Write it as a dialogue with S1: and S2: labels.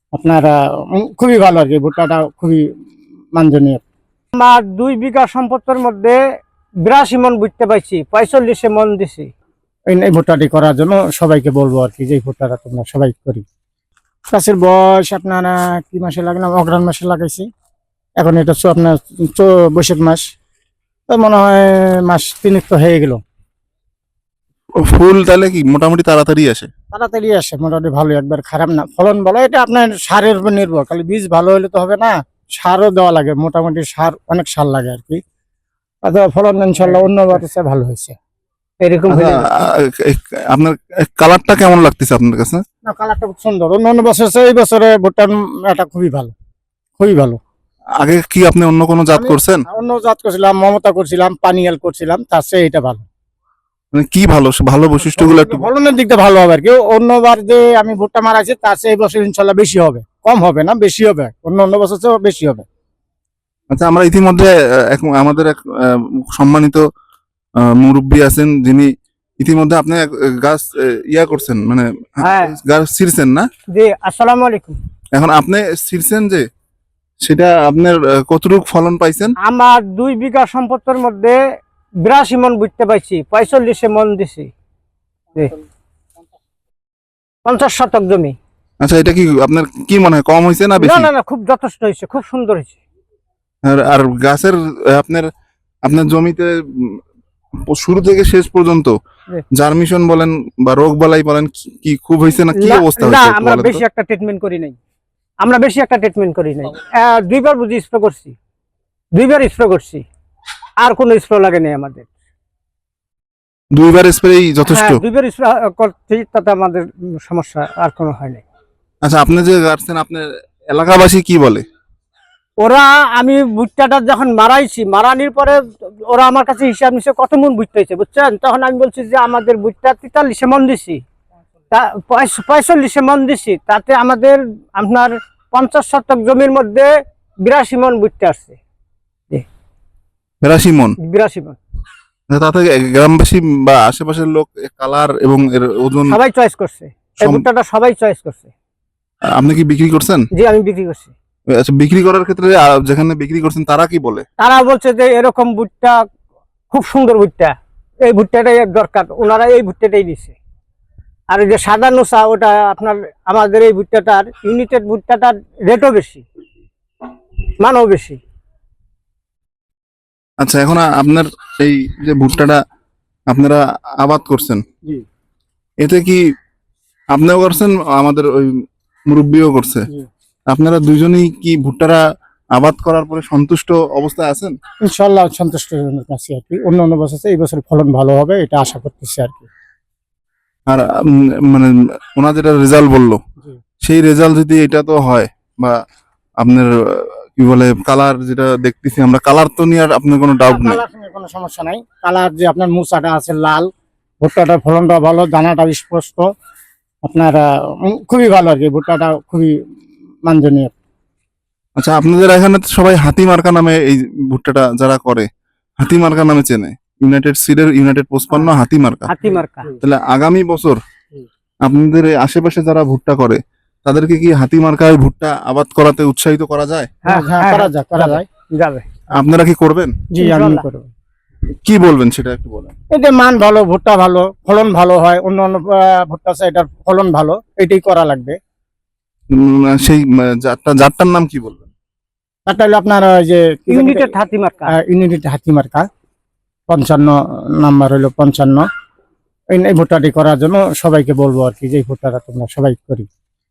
S1: আপনার খুবই ভালো আর কি, ভুট্টাটা খুবই মানজনীয়।
S2: আমার 2 বিঘা সম্পদের মধ্যে 82 মন বুঝতে পাইছি, 45 মন দিছি।
S1: এই ভুট্টাটি করার জন্য সবাইকে বলবো আর কি, যে এই ভুট্টাটা তোমরা সবাই করি। গাছের বয়স আপনার কি মাসে লাগালাম, অগ্রহায়ণ মাসে লাগাইছি। এখন এটা আপনার বৈশাখ মাস, তো মনে হয় মাস 3 তো হয়ে গেল।
S3: ফুল তাহলে কি মোটামুটি তাড়াতাড়ি আসে?
S1: তাড়াতাড়ি আসে, মোটামুটি ভালো, একবার খারাপ না। ফলন ভালো, এটা আপনার সারের উপর নির্ভর, খালি বীজ ভালো হলে তো হবে না, সারও দেওয়া লাগে, মোটামুটি সার অনেক সার লাগে আর কি। ফলন ইনশাল্লাহ অন্যবার ভালো হয়েছে।
S2: এরকম
S3: আপনার কালারটা কেমন লাগতেছে আপনার কাছে?
S1: না, কালারটা খুব সুন্দর, অন্য বছর এই বছরে ভুট্টার এটা খুবই ভালো, খুবই ভালো।
S3: আগে কি আপনি অন্য কোনো জাত করছেন?
S1: অন্য জাত করছিলাম, মমতা করছিলাম, পানিয়াল করছিলাম, তার চেয়ে এটা ভালো।
S3: মানে কি ভালো ভালো বৈশিষ্ট্যগুলো একটু
S1: ফলনের দিকটা ভালো হবে আর কি। অন্যবার যে আমি ভুট্টা মারাইছি তার চেয়ে এই বছর ইনশাল্লাহ বেশি হবে, কম হবে না, বেশি হবে, অন্য বছর চেয়ে বেশি হবে।
S3: আচ্ছা, আমরা ইতিমধ্যে আমাদের এক সম্মানিত মুরব্বী আছেন, যিনি ইতিমধ্যে আপনি গাছ ইয়া করছেন, মানে গাছ ছিঁড়ছেন না?
S2: জি, আসসালামু আলাইকুম।
S3: এখন আপনি ছিঁড়ছেন যে, সেটা আপনার কতটুকু ফলন পাইছেন?
S2: আমার 2 বিঘা সম্পদের মধ্যে 82 মন বুঝতে পাইছি, 45 মন দিছি। 50 শতক জমি।
S3: আচ্ছা, এটা কি আপনার কি মনে হয়, কম হয়েছে না
S2: না
S3: বেশি?
S2: না না, খুব যথেষ্ট হয়েছে, খুব সুন্দর হয়েছে।
S3: আর গাছের আপনার আপনার জমিতে শুরু থেকে শেষ পর্যন্ত জার্মিশন বলেন বা রোগ বালাই বলেন, কি খুব হয়েছে না কি অবস্থা
S2: না,
S3: হয়েছে?
S2: আমরা বেশি একটা ট্রিটমেন্ট করি নাই, আমরা বেশি একটা ট্রিটমেন্ট করি নাই। 2বার বুঝি স্প্রে করছি, 2বার স্প্রে করছি, আর কোনো স্প্রে লাগে নাই আমাদের।
S3: 2বার স্প্রেই যথেষ্ট?
S2: 2বার স্প্রে করছি, তাতে আমাদের সমস্যা আর কোনো হয় নাই।
S3: আচ্ছা, আপনি যে গাছছেন, আপনার এলাকাবাসী কি বলে?
S2: ওরা, আমি ভুট্টাটা যখন মারাইছি, মারানির পরে ওরা আমার কাছে হিসাব নিচ্ছে কত মন ভুট্টা হয়েছে, বুঝছেন? তখন আমি বলছি যে আমাদের ভুট্টা 43 মন দিছি, 45 মন দিছি, তাতে আমাদের আপনার 50 শতক জমির মধ্যে 82 মন ভুট্টা আসছে।
S3: 82 মন?
S2: 82 মন।
S3: তাতে গ্রামবাসী বা আশেপাশের লোক কালার এবং এর ওজন
S2: সবাই চয়েস করছে, এই ভুট্টাটা সবাই চয়েস করছে।
S3: আপনি কি বিক্রি করছেন?
S2: জি, আমি বিক্রি করছি।
S3: আচ্ছা, বিক্রি করার ক্ষেত্রে যেখানে বিক্রি করছেন তারা কি বলে?
S2: তারা বলছে যে এরকম ভুট্টা খুব সুন্দর ভুট্টা, এই ভুট্টাটাই দরকার, ওনারা এই ভুট্টাটাই নিচ্ছে। আর এই যে সাদা নোসা, ওটা আপনার আমাদের এই ভুট্টাটার ইউনিটেড ভুট্টাটার রেটও বেশি, মানও বেশি।
S3: আচ্ছা, এখন আপনার এই যে ভুট্টাটা আপনারা আবাদ করছেন, এতে কি আপনিও করছেন, আমাদের ওই মুরব্বিও করছে, আপনারা দুইজনেই কি ভুট্টারা আবাদ করার পরে সন্তুষ্ট অবস্থায় আছেন?
S1: ইনশাল্লাহ সন্তুষ্ট আছি আর কি। অন্য বছর এই বছর ফলন ভালো হবে, এটা আশা করতেছি আর কি।
S3: আর মানে ওনা যেটা রেজাল্ট বললো, সেই রেজাল্ট যদি এটা তো হয়, বা আপনার কি বলে কালার যেটা দেখতেছি আমরা, কালার তো নিয়ে আর আপনার কোনো ডাউট নেই?
S1: কোনো সমস্যা নাই। কালার যে আপনার মুসাটা আছে লাল, ভুট্টাটার ফলনটা ভালো, দানাটা স্পষ্ট, আপনার খুবই ভালো আর কি, ভুট্টাটা খুবই মানজনীয়।
S3: আচ্ছা, আপনাদের এখানে তো সবাই হাতি মার্কা নামে এই ভুট্টাটা যারা করে, হাতি মার্কা নামে চেনে, ইউনাইটেড সিডের ইউনাইটেড 55 হাতি মার্কা।
S2: হাতি মার্কা।
S3: তাহলে আগামী বছর আপনাদের আশেপাশে যারা ভুট্টা করে তাদেরকে কি হাতি মার্কায় ভুট্টা আবাদ করাতে উৎসাহিত করা যায়?
S1: হ্যাঁ, করা যায়,
S2: যাবে।
S3: আপনারা কি করবেন?
S1: জি, আমি করব।
S3: কি বলবেন সেটা একটু বলেন।
S1: এতে মান ভালো, ভুট্টা ভালো, ফলন ভালো হয়, অন্য ভুট্টা আছে এটার ফলন ভালো, এটাই করা লাগবে।
S3: সেই জাতটার নাম কি বলবেন?
S1: তারটা হলো আপনার ওই যে
S2: ইউনিটেড হাতি মার্কা।
S1: ইউনিটেড হাতি মার্কা 55 নাম্বার হলো 55। এই ভুট্টাটি করার জন্য সবাইকে বলবো আর কি, যে এই ভুট্টাটা তোমরা সবাই করি।